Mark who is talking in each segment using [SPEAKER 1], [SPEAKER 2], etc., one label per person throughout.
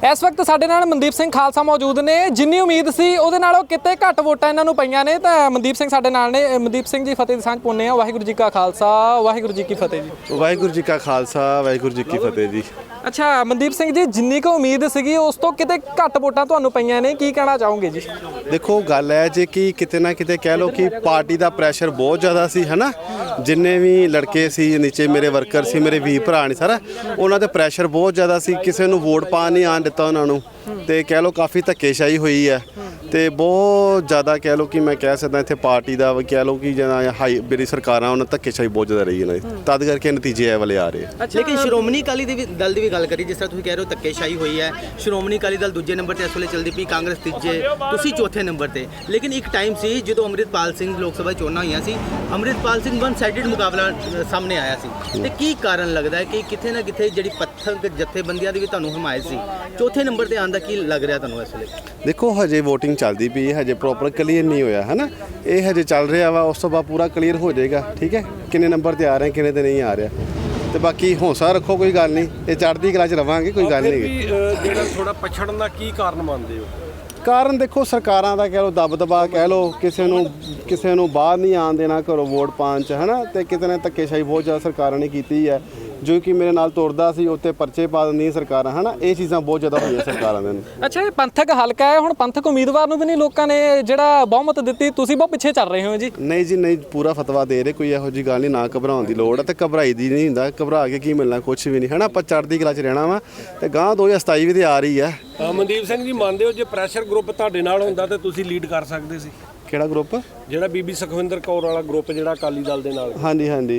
[SPEAKER 1] इस वक्त साडे नाल मनदीप सिंह खालसा मौजूद ने। जिन्नी उम्मीद सी उहदे नालों किते घट वोटां इन्हां नूं पईआं ने। तां मनदीप सिंह साडे नाल ने। मनदीप सिंह जी फतेह दी सांझ पाउने आ। वाहिगुरू जी का खालसा वाहिगुरू जी की फतेह जी।
[SPEAKER 2] वाहिगुरू जी का खालसा वाहिगुरू जी की फतेह जी।
[SPEAKER 1] अच्छा मनदीप सिंह जी, जिन्नी को उम्मीद सीगी उस तो किते घट वोटां तुहानूं पईआं ने, की कहना चाहोगे जी?
[SPEAKER 2] देखो गल है जी कि किते ना किते कह लो कि पार्टी का प्रैशर बहुत ज़्यादा सी है ना। जिन्ने भी लड़के सी नीचे मेरे वर्कर सी मेरे वी भरा ने सारा उन्हों का प्रैशर बहुत ज़्यादा सी। किसी नूं वोट पा नहीं आन दिता उन्होंने तो कह लो काफ़ी धक्केशाही हुई है तो बहुत ज़्यादा कह लो कि मैं कह सकदा इत्थे पार्टी का कह लो कि जिदा हाई मेरी सरकारां उन्हें धक्केशाही बहुत ज़्यादा रही है तद करके नतीजे ए वाले आ रहे हैं।
[SPEAKER 3] लेकिन श्रोमणी अकाली दल की भी गल करी जिस तरह तुसीं कह रहे हो धक्केशाही हुई है। श्रोमणी अकाली दल दूजे नंबर पर इस वेले चलती पई, कांग्रेस तीजे, तुसीं चौथे नंबर पर। लेकिन एक टाइम से जो अमृतपाल सिंह लोक सभा चोणां होईयां सी, अमृतपाल सिंह वन साइडिड मुकाबला सामने आया सी ते की कारण लगदा है कि किथे ना किथे जिहड़ी पत्थर जथेबंदियां दी भी तुहानूं हमायत सी, चौथे नंबर पर आउण दा की लग रहा तुहानूं इस वेले?
[SPEAKER 2] देखो हजे वोटिंग चलती पई हजे प्रॉपर क्लीयर नहीं होया है ना। ये हजे चल रहा वा उस तो बाद पूरा क्लीयर हो जाएगा। ठीक है किन्ने नंबर ते आ रहे हैं किन्ने ते नहीं आ रहा तो बाकी हौसला रखो कोई गल नहीं, ये चढ़ती कला च रवांगे कोई गल नहीं।
[SPEAKER 4] ਜਿਹੜਾ ਥੋੜਾ ਪਛੜਨ ਦਾ ਕੀ ਕਾਰਨ ਮੰਨਦੇ ਹੋ?
[SPEAKER 2] ਕਾਰਨ ਦੇਖੋ ਸਰਕਾਰਾਂ ਦਾ ਕਹਿ ਲਓ ਦਬ ਦਬਾ ਕਹਿ ਲਓ ਕਿਸੇ ਨੂੰ ਬਾਹਰ ਨਹੀਂ ਆਉਣ ਦੇਣਾ ਘਰੋਂ ਵੋਟ ਪਾਉਣ ਚ ਹੈ ਨਾ। ਤੇ ਕਿਤੇ ਨਾ ਧੱਕੇਸ਼ਾਹੀ ਬਹੁਤ ਜ਼ਿਆਦਾ ਸਰਕਾਰਾਂ ਨੇ ਕੀਤੀ ਹੈ। ਜੋ ਕਿ ਮੇਰੇ ਨਾਲ ਤੁਰਦਾ ਸੀ ਉੱਤੇ ਪਰਚੇ ਪਾ ਦਿੰਦੀਆਂ ਸਰਕਾਰਾਂ ਹੈ ਨਾ। ਇਹ ਚੀਜ਼ਾਂ ਬਹੁਤ ਜ਼ਿਆਦਾ ਹੋਈਆਂ ਸਰਕਾਰਾਂ ਦੇ।
[SPEAKER 1] ਅੱਛਾ ਇਹ ਪੰਥਕ ਹਲਕਾ ਹੈ, ਹੁਣ ਪੰਥਕ ਉਮੀਦਵਾਰ ਨੂੰ ਵੀ ਨਹੀਂ ਲੋਕਾਂ ਨੇ ਜਿਹੜਾ ਬਹੁਮਤ ਦਿੱਤੀ, ਤੁਸੀਂ ਬਹੁਤ ਪਿੱਛੇ ਚੱਲ ਰਹੇ ਹੋ ਜੀ।
[SPEAKER 2] ਨਹੀਂ ਜੀ ਨਹੀਂ, ਪੂਰਾ ਫਤਵਾ ਦੇ ਰਹੇ, ਕੋਈ ਇਹੋ ਜਿਹੀ ਗੱਲ ਨਹੀਂ। ਨਾ ਘਬਰਾਉਣ ਦੀ ਲੋੜ ਹੈ ਤੇ ਘਬਰਾਈ ਦੀ ਨਹੀਂ ਹੁੰਦਾ, ਘਬਰਾ ਕੇ ਕੀ ਮਿਲਣਾ, ਕੁਛ ਵੀ ਨਹੀਂ ਹੈ ਨਾ। ਆਪਾਂ ਚੜ੍ਹਦੀ ਕਲਾ 'ਚ ਰਹਿਣਾ ਵਾ ਤੇ ਗਾਂ 2027 ਵੀ ਤੇ ਆ ਰਹੀ ਹੈ।
[SPEAKER 4] ਮਨਦੀਪ ਸਿੰਘ ਜੀ ਮੰਨਦੇ ਹੋ ਜੇ ਪ੍ਰੈਸ਼ਰ ਗਰੁੱਪ ਤੁਹਾਡੇ ਨਾਲ ਹੁੰਦਾ ਤਾਂ ਤੁਸੀਂ ਲੀਡ ਕਰ ਸਕਦੇ ਸੀ?
[SPEAKER 2] ਕਿਹੜਾ ਗਰੁੱਪ?
[SPEAKER 4] ਜਿਹੜਾ ਬੀਬੀ ਸੁਖਵਿੰਦਰ ਕੌਰ ਵਾਲਾ ਗਰੁੱਪ ਜਿਹੜਾ ਅਕਾਲੀ ਦਲ ਦੇ ਨਾਲ।
[SPEAKER 2] ਹਾਂਜੀ ਹਾਂਜੀ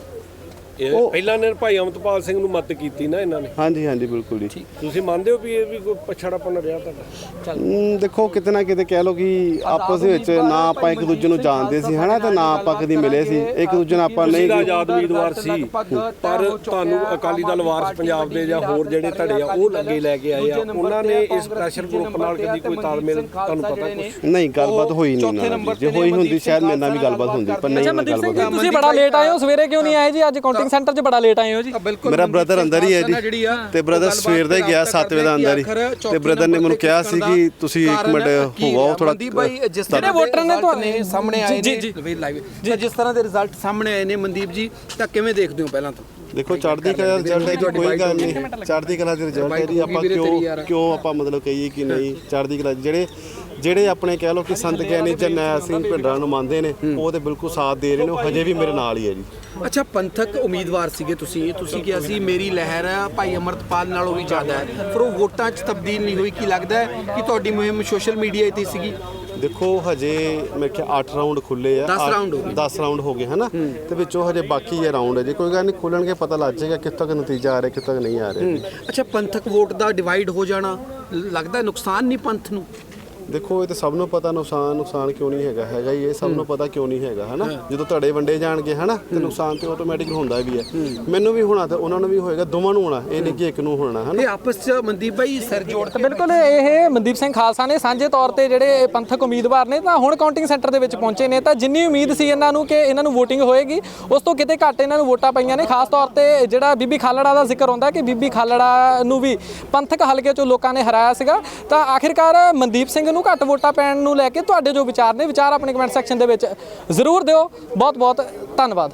[SPEAKER 4] ਪਹਿਲਾਂ ਨੇ ਭਾਈ ਅਮਰਤਪਾਲ ਸਿੰਘ ਨੂੰ ਮਦਦ ਕੀਤੀ ਨਾ ਇਹਨਾਂ ਨੇ।
[SPEAKER 2] ਹਾਂਜੀ ਹਾਂਜੀ ਬਿਲਕੁਲ ਜੀ।
[SPEAKER 4] ਤੁਸੀਂ ਮੰਨਦੇ ਹੋ ਵੀ ਇਹ ਵੀ ਕੋਈ ਪਛੜਾਪਨ ਰਿਹਾ ਤੁਹਾਡਾ?
[SPEAKER 2] ਦੇਖੋ ਕਿਤੇ ਨਾ ਕਿਤੇ ਕਹਿ ਲਓ ਕਿ ਆਪਸ ਵਿੱਚ ਨਾ ਆਪਾਂ ਇੱਕ ਦੂਜੇ ਨੂੰ ਜਾਣਦੇ ਸੀ ਹੈ ਨਾ ਤੇ ਨਾ ਆਪਾਂ ਕਦੀ ਮਿਲੇ ਸੀ ਇੱਕ ਦੂਜੇ ਨਾਲ। ਆਪਾਂ ਨਹੀਂ
[SPEAKER 4] ਆਜ਼ਾਦ ਉਮੀਦਵਾਰ ਸੀ ਪਰ ਤੁਹਾਨੂੰ ਅਕਾਲੀ ਦਲ ਵਾਰਸ ਪੰਜਾਬ ਦੇ ਜਾਂ ਹੋਰ ਜਿਹੜੇ ਧੜੇ ਆ ਉਹ ਲੱਗੇ ਲੈ ਕੇ ਆਏ ਆ, ਉਹਨਾਂ ਨੇ ਇਸ ਪ੍ਰੈਸ਼ਰ ਗਰੁੱਪ ਨਾਲ ਕਦੀ ਕੋਈ ਤਾਲਮੇਲ ਤੁਹਾਨੂੰ ਪਤਾ ਕੁਛ?
[SPEAKER 2] ਨਹੀਂ ਗੱਲਬਾਤ ਹੋਈ ਨਹੀਂ। ਜੇ ਹੋਈ ਹੁੰਦੀ ਸ਼ਾਇਦ ਮੇਰੇ ਨਾਲ ਵੀ ਗੱਲਬਾਤ ਹੁੰਦੀ ਪਰ ਨਹੀਂ ਗੱਲਬਾਤ।
[SPEAKER 1] ਤੁਸੀਂ ਬੜਾ ਲੇਟ ਆਏ ਹੋ, ਸਵੇਰੇ ਕਿਉਂ ਨਹੀਂ ਆਏ ਜੀ? ਅੱਜ ਕਾਊਂਟਿੰਗ ਸੈਂਟਰ 'ਚ ਬੜਾ ਲੇਟ ਆਏ ਹੋ ਜੀ।
[SPEAKER 2] ਮੇਰਾ ਬ੍ਰਦਰ ਅੰਦਰ ਹੀ ਹੈ ਜੀ ਤੇ ਬ੍ਰਦਰ ਸਵੇਰ ਦਾ ਹੀ ਗਿਆ 7 ਵਜੇ ਦਾ ਅੰਦਰ ਹੀ ਤੇ ਬ੍ਰਦਰ ਨੇ ਮੈਨੂੰ ਕਿਹਾ ਸੀ ਕਿ ਤੁਸੀਂ 1 ਮਿੰਟ ਹੋਵੋ ਥੋੜਾ।
[SPEAKER 1] ਜਿਹੜੇ ਵੋਟਰ ਨੇ ਤੁਹਾਡੇ
[SPEAKER 5] ਸਾਹਮਣੇ ਆਏ ਨੇ ਲਾਈਵ ਜਿਸ ਤਰ੍ਹਾਂ ਦੇ ਰਿਜ਼ਲਟ ਸਾਹਮਣੇ ਆਏ ਨੇ ਮਨਦੀਪ ਜੀ, ਤਾਂ ਕਿਵੇਂ ਦੇਖਦੇ ਹੋ? ਪਹਿਲਾਂ ਤਾਂ
[SPEAKER 2] ਦੇਖੋ ਚੜ੍ਹਦੀ ਕਲਾ ਰਿਜ਼ਲਟ ਹੈ ਜੀ, ਕੋਈ ਗੱਲ ਨਹੀਂ। ਚੜ੍ਹਦੀ ਕਲਾ ਦੇ ਰਿਜ਼ਲਟ ਹੈ ਜੀ। ਆਪਾਂ ਕਿਉਂ ਆਪਾਂ ਮਤਲਬ ਕਹੀਏ ਕਿ ਨਹੀਂ ਚੜ੍ਹਦੀ ਕਲਾ ਜਿਹੜੇ ਆਪਣੇ ਕਹਿ ਲਓ ਕਿ ਸੰਤ ਗਿਆਨੀ ਜਰਨੈਲ ਸਿੰਘ ਭਿੰਡਰਾਂ ਨੂੰ ਮੰਨਦੇ ਨੇ ਉਹ ਤੇ ਬਿਲਕੁਲ ਸਾਥ ਦੇ ਰਹੇ ਨੇ, ਉਹ ਹਜੇ ਵੀ ਮੇਰੇ ਨਾਲ ਹੀ ਹੈ ਜੀ।
[SPEAKER 5] ਅੱਛਾ ਪੰਥਕ ਉਮੀਦਵਾਰ ਸੀਗੇ ਤੁਸੀਂ ਕਿਹਾ ਸੀ ਮੇਰੀ ਲਹਿਰ ਭਾਈ ਅਮਰਤਪਾਲ ਨਾਲੋਂ ਵੀ ਜ਼ਿਆਦਾ ਹੈ, ਪਰ ਉਹ ਵੋਟਾਂ 'ਚ ਤਬਦੀਲ ਨਹੀਂ ਹੋਈ। ਕੀ ਲੱਗਦਾ ਹੈ ਕਿ ਤੁਹਾਡੀ ਮੁਹਿੰਮ ਸੋਸ਼ਲ ਮੀਡੀਆ 'ਤੇ ਸੀਗੀ?
[SPEAKER 2] ਦੇਖੋ ਹਜੇ ਮੈਂ ਕਿਹਾ 8 ਰਾਊਂਡ ਖੁੱਲੇ ਆ, 10 ਰਾਊਂਡ ਹੋ ਗਏ ਹੈ ਨਾ ਤੇ ਵਿੱਚੋਂ ਹਜੇ ਬਾਕੀ ਇਹ ਰਾਊਂਡ ਹੈ ਜੀ। ਕੋਈ ਗੱਲ ਨਹੀਂ, ਖੁੱਲਣਗੇ ਪਤਾ ਲੱਗ ਜਾਏਗਾ ਕਿੱਥੋਂ ਤੱਕ ਨਤੀਜਾ ਆ ਰਿਹਾ ਕਿੱਥੋਂ ਤੱਕ ਨਹੀਂ ਆ ਰਿਹਾ।
[SPEAKER 5] ਅੱਛਾ ਪੰਥਕ ਵੋਟ ਦਾ ਡਿਵਾਈਡ ਹੋ ਜਾਣਾ ਲੱਗਦਾ ਨੁਕਸਾਨ ਨਹੀਂ ਪੰਥ ਨੂੰ?
[SPEAKER 2] ਦੇਖੋ ਇਹ ਤਾਂ ਸਭ ਨੂੰ ਪਤਾ ਨੁਕਸਾਨ ਕਿਉਂ ਨਹੀਂ ਹੈਗਾ ਹੀ। ਇਹ ਸਭ ਨੂੰ ਪਤਾ ਕਿਉਂ ਨਹੀਂ ਹੈਗਾ ਹੈ ਨਾ। ਜਦੋਂ ਧੜੇ ਵੰਡੇ ਜਾਣਗੇ ਹੈ ਨਾ ਤੇ ਨੁਕਸਾਨ ਤੇ ਆਟੋਮੈਟਿਕ ਹੁੰਦਾ ਵੀ ਹੈ। ਮੈਨੂੰ ਵੀ ਹੋਣਾ ਤੇ ਉਹਨਾਂ ਨੂੰ ਵੀ ਹੋਏਗਾ, ਦੋਵਾਂ ਨੂੰ ਹੋਣਾ, ਇਹ ਨਹੀਂ ਕਿ ਇੱਕ ਨੂੰ ਹੋਣਾ ਹੈ ਨਾ।
[SPEAKER 5] ਇਹ ਆਪਸ 'ਚ ਮਨਦੀਪ ਭਾਈ ਸਿਰ ਜੋੜ
[SPEAKER 1] ਤਾਂ ਬਿਲਕੁਲ ਇਹ ਮਨਦੀਪ ਸਿੰਘ ਖਾਲਸਾ ਨੇ ਸਾਂਝੇ ਤੌਰ ਤੇ ਜਿਹੜੇ ਪੰਥਕ ਉਮੀਦਵਾਰ ਨੇ ਤਾਂ ਹੁਣ ਕਾਊਂਟਿੰਗ ਸੈਂਟਰ ਦੇ ਵਿੱਚ ਪਹੁੰਚੇ ਨੇ। ਤਾਂ ਜਿੰਨੀ ਉਮੀਦ ਸੀ ਇਹਨਾਂ ਨੂੰ ਕਿ ਇਹਨਾਂ ਨੂੰ ਵੋਟਿੰਗ ਹੋਏਗੀ ਉਸ ਤੋਂ ਕਿਤੇ ਘੱਟ ਇਹਨਾਂ ਨੂੰ ਵੋਟਾਂ ਪਈਆਂ ਨੇ। ਖਾਸ ਤੌਰ ਤੇ ਜਿਹੜਾ ਬੀਬੀ ਖਾਲੜਾ ਦਾ ਜ਼ਿਕਰ ਹੁੰਦਾ ਕਿ ਬੀਬੀ ਖਾਲੜਾ ਨੂੰ ਵੀ ਪੰਥਕ ਹਲਕੇ 'ਚੋਂ ਲੋਕਾਂ ਨੇ ਹਰਾਇਆ ਸੀਗਾ। ਤਾਂ ਆਖਿਰਕਾਰ ਮਨਦੀਪ ਸਿੰਘ ਨੂੰ ਘੱਟ ਵੋਟਾਂ ਪੈਣ ਨੂੰ ਲੈ ਕੇ ਤੁਹਾਡੇ ਜੋ ਵਿਚਾਰ ਨੇ, ਵਿਚਾਰ ਆਪਣੇ ਕਮੈਂਟ ਸੈਕਸ਼ਨ ਦੇ ਵਿੱਚ ਜ਼ਰੂਰ ਦਿਓ। ਬਹੁਤ ਬਹੁਤ ਧੰਨਵਾਦ।